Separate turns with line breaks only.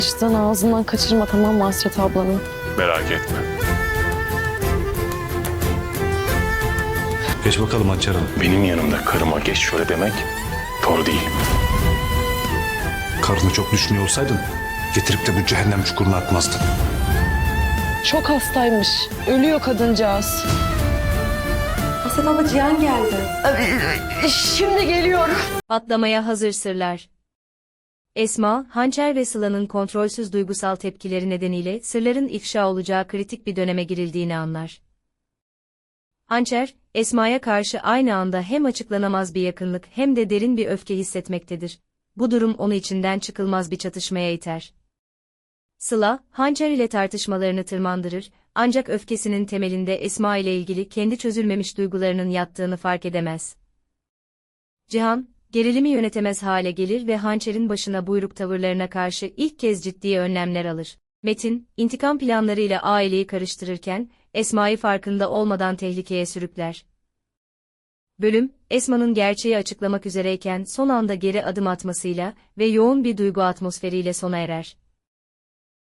İşten ağzından kaçırma, tamam mı Hasret ablanı?
Merak etme.
Geç bakalım Hançer Hanım.
Benim yanımda karıma geç şöyle demek doğru değil.
Karını çok düşünüyor olsaydın getirip de bu cehennem çukuruna atmazdın.
Çok hastaymış. Ölüyor kadıncağız.
Hasret abla Cihan geldi.
Şimdi geliyor.
Patlamaya hazır sırlar. Esma, Hançer ve Sıla'nın kontrolsüz duygusal tepkileri nedeniyle sırların ifşa olacağı kritik bir döneme girildiğini anlar. Hançer, Esma'ya karşı aynı anda hem açıklanamaz bir yakınlık hem de derin bir öfke hissetmektedir. Bu durum onu içinden çıkılmaz bir çatışmaya iter. Sıla, Hançer ile tartışmalarını tırmandırır, ancak öfkesinin temelinde Esma ile ilgili kendi çözülmemiş duygularının yattığını fark edemez. Cihan, gerilimi yönetemez hale gelir ve Hançer'in başına buyruk tavırlarına karşı ilk kez ciddi önlemler alır. Metin, intikam planlarıyla aileyi karıştırırken, Esma'yı farkında olmadan tehlikeye sürükler. Bölüm, Esma'nın gerçeği açıklamak üzereyken son anda geri adım atmasıyla ve yoğun bir duygu atmosferiyle sona erer.